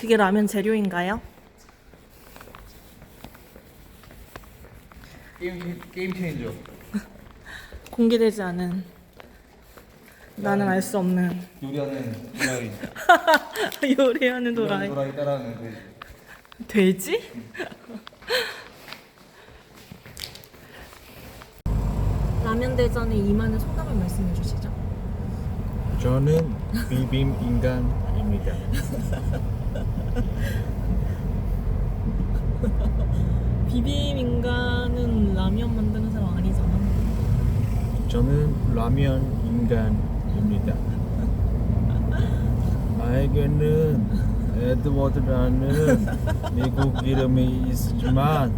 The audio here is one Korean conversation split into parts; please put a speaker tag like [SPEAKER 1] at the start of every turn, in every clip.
[SPEAKER 1] 그게 라면 재료인가요?
[SPEAKER 2] 게임 체인저.
[SPEAKER 1] 공개되지 않은 나는 알 수 없는
[SPEAKER 2] 요리하는 도라이.
[SPEAKER 1] 요리하는 도라이.
[SPEAKER 2] 도라이 따라하는 그.
[SPEAKER 1] 돼지? 라면 대전에 임하는 소감을 말씀해 주시죠.
[SPEAKER 2] 저는 비빔 인간입니다.
[SPEAKER 1] 비빔 인간은 라면 만드는 사람 아니잖아.
[SPEAKER 2] 저는 라면 인간입니다. 나에게는 에드워드라는 미국 이름이 있지만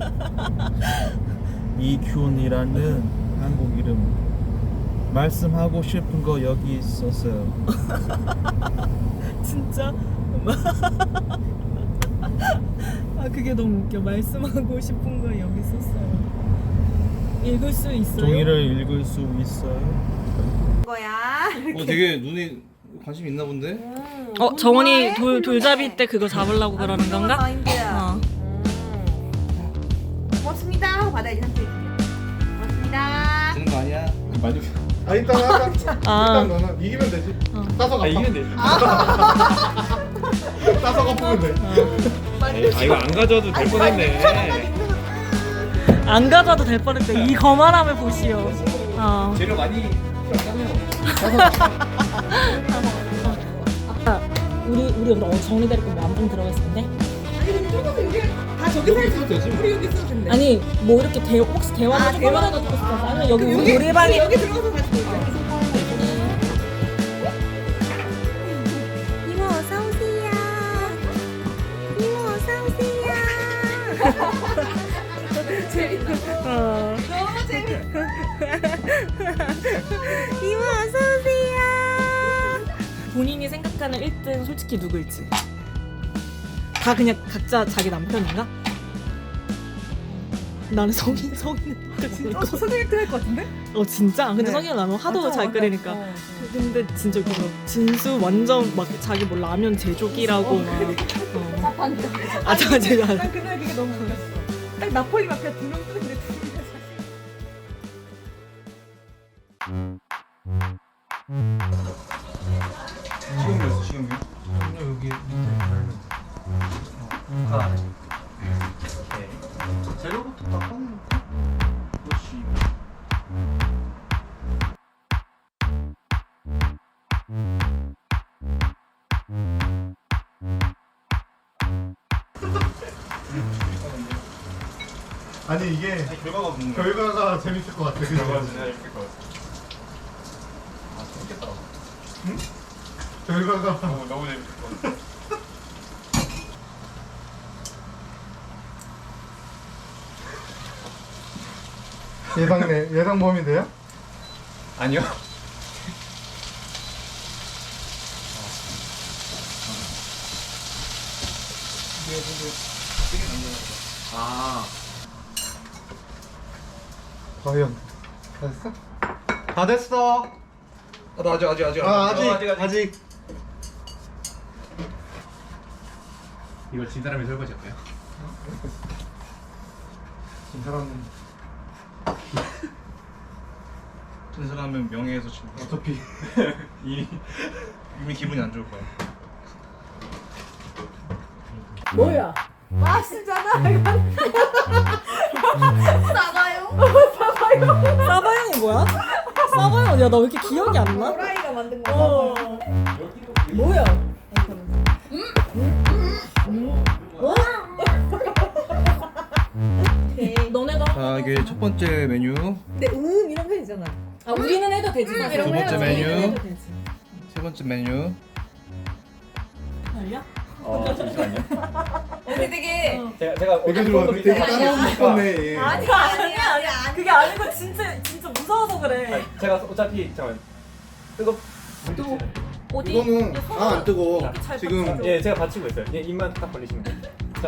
[SPEAKER 2] 이균이라는 한국 이름. 말씀하고 싶은 거 여기 있었어요.
[SPEAKER 1] 진짜? 아 그게 너무 웃겨. 말씀하고 싶은 거 여기 썼어요. 읽을 수 있어요?
[SPEAKER 2] 종이를 읽을 수 있어요?
[SPEAKER 3] 거야.
[SPEAKER 2] 되게 눈에 관심 있나 본데?
[SPEAKER 1] 정원이 돌잡이 때 그거 잡으려고 그러는 건가?
[SPEAKER 3] 마인드야. 고맙습니다 하고 받아야지 삼촌이. 고맙습니다.
[SPEAKER 2] 주는 거 아니야? 많이.
[SPEAKER 4] 아 일단 하자.
[SPEAKER 1] 아.
[SPEAKER 4] 일단 너는 이기면 되지. 따서 갚아.
[SPEAKER 2] 이기면 되지.
[SPEAKER 4] 따서 갚으면 돼.
[SPEAKER 2] 이거 안 가져도 될 뻔했네.
[SPEAKER 1] 안 가져도 될 뻔했대. 이 거만함을 보시오.
[SPEAKER 2] 재료 많이 필요하다며.
[SPEAKER 1] 우리 그럼 정리 데리고 안방 들어갔을 텐데?
[SPEAKER 3] 아니 근데 조금 여기 다 저기 살지.
[SPEAKER 2] 되지.
[SPEAKER 3] 우리 여기 있어도 된대.
[SPEAKER 1] 아니 뭐 이렇게 혹시 대화를 조금이라도
[SPEAKER 3] 대화라도
[SPEAKER 1] 듣고 싶어서 아니면 여기 우리
[SPEAKER 3] 여기
[SPEAKER 1] 노래방에
[SPEAKER 3] 여기 들어가서 같이 놀자.
[SPEAKER 5] 이모 어서 오세요. 이모 어서 오세요.
[SPEAKER 3] 재밌다. 너무 재밌다.
[SPEAKER 5] 이모 어서 오세요.
[SPEAKER 1] 본인이 생각하는 1등 솔직히 누구일지 다 그냥 각자 자기 남편인가? 나는 성인은
[SPEAKER 3] 선생님 할것 같은데?
[SPEAKER 1] 진짜? 근데
[SPEAKER 3] 네.
[SPEAKER 1] 성인 라면 하도
[SPEAKER 3] 맞아,
[SPEAKER 1] 잘
[SPEAKER 3] 맞아.
[SPEAKER 1] 끓이니까 근데 진짜 그거 진수 완전 막 자기 뭐 라면 제조기라고 막 아 제가
[SPEAKER 3] 난 그날 그게 너무 웃겼어. 딱 나폴리 마피아 두명 뜨는데 두 명이
[SPEAKER 2] 지금이었어, 지금이요? 여기 재료부터 다 꺼내놓고. 그렇지.
[SPEAKER 4] 아니 이게
[SPEAKER 2] 결과가 없는
[SPEAKER 4] 결과가 재밌을 것 같아. 그죠?
[SPEAKER 2] 진짜 재밌을 것 같아. 재밌겠다.
[SPEAKER 4] 결과가
[SPEAKER 2] 너무 재밌을 것 같아.
[SPEAKER 4] 예상 범위 돼요?
[SPEAKER 2] 아니요. 아.
[SPEAKER 4] 과연 다 됐어? 다 됐어.
[SPEAKER 2] 나 아직.
[SPEAKER 4] 아직.
[SPEAKER 2] 이걸 진 사람이 설거지 할까요?
[SPEAKER 4] 진 사람은
[SPEAKER 2] 진 사람은 명예에서 진.
[SPEAKER 4] 어차피
[SPEAKER 2] 이미 기분이 안 좋을 거야.
[SPEAKER 3] 뭐야? 맛있잖아. 싸봐요.
[SPEAKER 1] 사바형이 뭐야? 사바형 야나 왜 이렇게 기억이 안 나?
[SPEAKER 3] 호라이가 만든 거. 뭐야?
[SPEAKER 1] 너네가
[SPEAKER 2] 자, 이게 첫 번째 메뉴,
[SPEAKER 3] 근데 이런 거 되잖아.
[SPEAKER 1] 아 우리는 해도 되지 사실.
[SPEAKER 3] 이런 거
[SPEAKER 2] 번째
[SPEAKER 3] 해도
[SPEAKER 2] 메뉴.
[SPEAKER 1] 해도 되지.
[SPEAKER 2] 세 번째 메뉴.
[SPEAKER 1] 알려?
[SPEAKER 6] 잠시만요.
[SPEAKER 3] 우리 되게
[SPEAKER 6] 제가
[SPEAKER 4] 되게 좋아. 되게 따라오고 싶었네.
[SPEAKER 1] 아니야. 그게 아니고 진짜 무서워서 그래.
[SPEAKER 6] 제가 어차피 잠깐 뜨거.
[SPEAKER 1] 또 어디?
[SPEAKER 4] 이거는 안 뜨거.
[SPEAKER 1] 이렇게 잘
[SPEAKER 4] 지금
[SPEAKER 1] 받쳐줘.
[SPEAKER 6] 예, 제가 받치고 있어요. 예, 입만 딱 벌리시면 돼요. 자,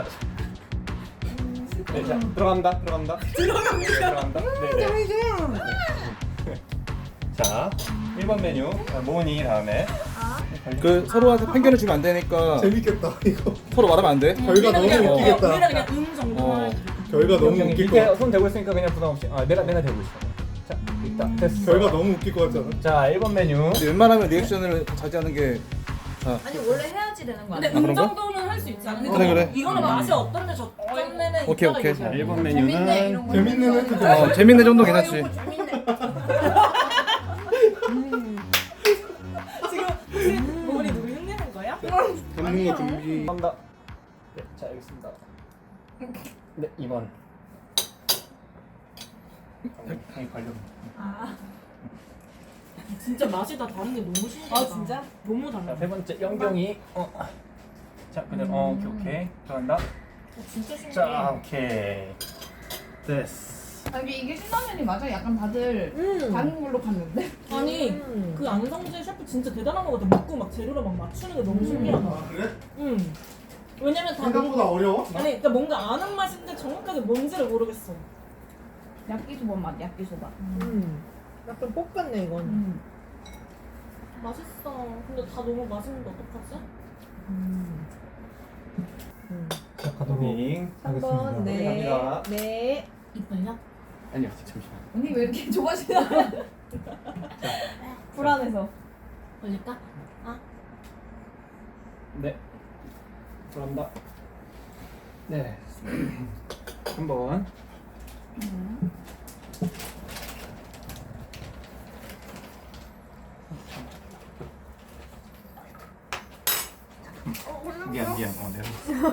[SPEAKER 6] 네, 자 들어갑니다. 들어갑니다. 네. 자, 1번 메뉴 모니 다음에 그 서로한테 편견을 주면 안 되니까
[SPEAKER 4] 재밌겠다 이거.
[SPEAKER 6] 서로 말하면 안 돼.
[SPEAKER 4] 결과 너무
[SPEAKER 1] 우리는
[SPEAKER 4] 웃기겠다.
[SPEAKER 1] 그냥 정도만.
[SPEAKER 4] 결과 너무
[SPEAKER 6] 형이
[SPEAKER 4] 웃길 것
[SPEAKER 6] 밑에
[SPEAKER 4] 같아.
[SPEAKER 6] 손 대고 있으니까 그냥 부담 없이. 아 내가 대고 있어. 자 일단 됐어.
[SPEAKER 4] 결과 너무 웃길 것 같잖아.
[SPEAKER 6] 자 1번 메뉴. 근데 웬만하면 리액션을 자제하는 게.
[SPEAKER 7] 아니 원래 해야지 되는 거
[SPEAKER 1] 근데
[SPEAKER 7] 아니야?
[SPEAKER 6] 그런가?
[SPEAKER 1] 정도는 할 수 있지 않아?
[SPEAKER 6] 그래.
[SPEAKER 1] 이거는 맛이 어떤데 저점내는
[SPEAKER 6] 오케이, 오케이.
[SPEAKER 2] 자, 1번
[SPEAKER 7] 재밌네
[SPEAKER 2] 메뉴는
[SPEAKER 7] 이런 거.
[SPEAKER 4] 재밌는 애들.
[SPEAKER 6] 재밌네 정도 괜찮지.
[SPEAKER 7] 이거 재밌네.
[SPEAKER 1] 지금 머리 누구 흉내낸 거야?
[SPEAKER 4] 잡는 거 준비.
[SPEAKER 6] 한다. 네, 자 알겠습니다. 네 2번. 형이 관련.
[SPEAKER 1] 진짜 맛이 다 다른 게 너무 신기하다.
[SPEAKER 3] 아 진짜?
[SPEAKER 1] 너무 달라.
[SPEAKER 6] 자 세 번째 영경이. 자 그냥 오케이 들어간다.
[SPEAKER 1] 진짜 신기해.
[SPEAKER 6] 자 오케이. 됐어.
[SPEAKER 7] 아, 이게 신라면이 맞아? 약간 다들 다른 걸로 갔는데.
[SPEAKER 1] 아니 그 안성재 셰프 진짜 대단한 거 같아. 먹고 막 재료를 막 맞추는 게 너무 신기하다.
[SPEAKER 4] 아 그래?
[SPEAKER 1] 응. 왜냐면 다
[SPEAKER 4] 생각보다 어려워?
[SPEAKER 1] 아니 그러니까 뭔가 아는 맛인데 정확하게 뭔지를 모르겠어.
[SPEAKER 7] 야끼소바 맛, 야끼소바.
[SPEAKER 3] 약간 볶았네 이건.
[SPEAKER 1] 맛있어. 근데 다 너무 맛있는데 어떡하지?
[SPEAKER 6] 자 가도빙 하겠습니다.
[SPEAKER 3] 3번 네.
[SPEAKER 6] 갑니다.
[SPEAKER 3] 네.
[SPEAKER 1] 이빨려?
[SPEAKER 6] 아니요 잠시만.
[SPEAKER 7] 언니 왜 이렇게 좋아하시나? 불안해서.
[SPEAKER 1] 걸릴까?
[SPEAKER 6] 네. 들어간다. 네. 한번. 미안. 내가.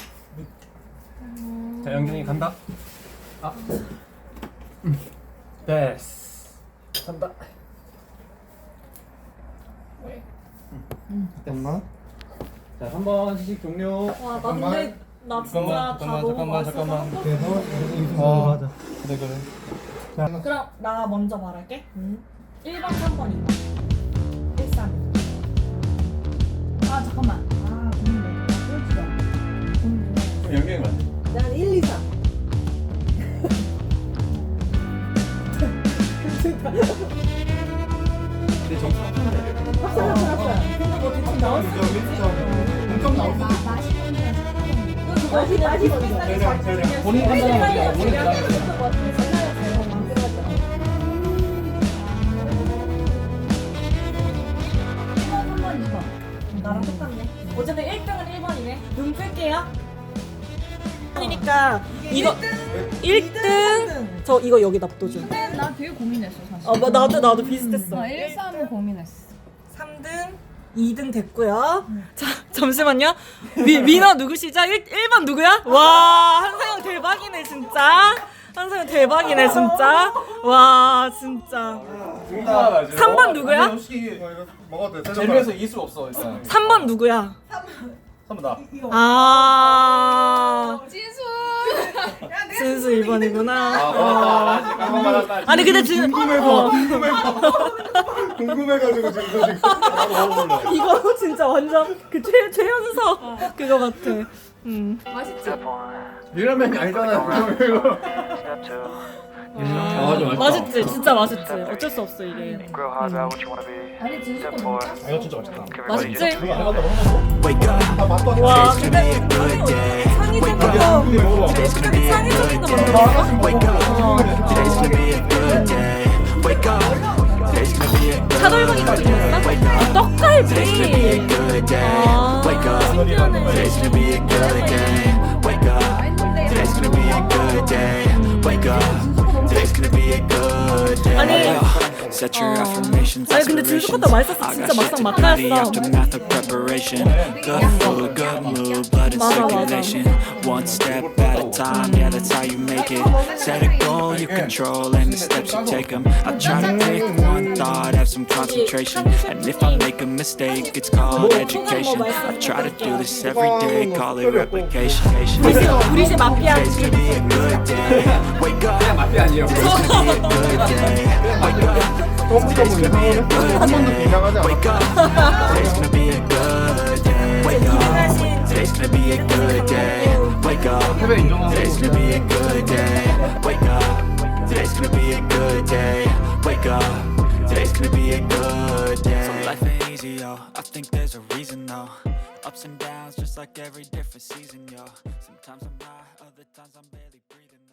[SPEAKER 6] 자 영경이 간다. 됐어. 간다.
[SPEAKER 4] 잠깐만.
[SPEAKER 6] 자 3번 시식 종료.
[SPEAKER 1] 와, 나 근데 나 진짜 다 너무 맛있어서
[SPEAKER 4] 그래서
[SPEAKER 6] 아.
[SPEAKER 4] 하자.
[SPEAKER 6] 그래.
[SPEAKER 1] 그럼 나 먼저 말할게. 1번, 3번, 2번. 1, 3.
[SPEAKER 7] 아 잠깐만. 아 고민돼. 꼴찌다.
[SPEAKER 6] 영경이 맞네.
[SPEAKER 3] 난 1, 2, 3.
[SPEAKER 6] 내 점수
[SPEAKER 1] 근데 뭐 대충 나올 수
[SPEAKER 4] 엄청 나올 수도 있어.
[SPEAKER 3] 맛이 먼저.
[SPEAKER 6] 본인 판단하면 본인 판단하면
[SPEAKER 1] 나랑 똑같네. 어쨌든 1등은 1번이네. 눈 끌게요. 그러니까 이거 1등 저 이거 여기 납도준.
[SPEAKER 7] 근데 나 되게 고민했어 사실.
[SPEAKER 1] 나도 비슷했어.
[SPEAKER 7] 1, 3을 고민했어.
[SPEAKER 1] 3등, 2등 됐고요. 자, 잠시만요. 민호 누구시죠? 1번 누구야? 와, 한상영 대박이네 진짜. 한상영 대박이네 진짜. 와, 진짜. 3번 누구야?
[SPEAKER 4] 이거 먹어도 돼.
[SPEAKER 6] 재미에서 이길 수 없어 일단.
[SPEAKER 1] 3번 누구야?
[SPEAKER 6] 3번 나.
[SPEAKER 1] 아,
[SPEAKER 7] 진수.
[SPEAKER 1] 진수 2번이구나.
[SPEAKER 6] 맞았다.
[SPEAKER 1] 아니 근데 지금
[SPEAKER 4] 궁금해가지고 지금 이거
[SPEAKER 1] 이거 진짜 완전 그 최연석 그거 같아.
[SPEAKER 7] 맛있지?
[SPEAKER 6] 밀라면이 아니잖아. 이거. 맞아.
[SPEAKER 1] 맛있지, 진짜 맛있지. 어쩔 수 없어 이게.
[SPEAKER 7] 아니 진수 거 너무 짰어.
[SPEAKER 6] 이거 진짜 맛있다.
[SPEAKER 1] 맛있지?
[SPEAKER 4] 다 맛도
[SPEAKER 1] 와, 근데 상의 제목도 상의 제목도 차돌박이 같은 거 있어? 떡갈비. 아, 신기하네. 아니 아니 근데 진수 것도 맛있었어. 진짜 막상 막하였어. 맞아 맞아.
[SPEAKER 8] One step at a time, yeah, that's how you make it. Set a goal you control and the steps you take them. I try to pick one thought, have some concentration. And if I make a mistake, it's called education. I try to do this every day, call it replication.
[SPEAKER 1] 우리 집 마피아.
[SPEAKER 8] Today's gonna be a good day. Wake up. Today's gonna be a good day. Wake up. Today's gonna be a good day. Wake up. Today's gonna be a good day. Wake up. Today's gonna be a good day. Wake up. Today's gonna be a good day. Wake up. Today's gonna be a good day. Wake up. Today's gonna be a good day. So life ain't easy, yo. I think there's a reason, though. Ups and downs, just like every different season, yo. Sometimes I'm high, other times I'm barely breathing.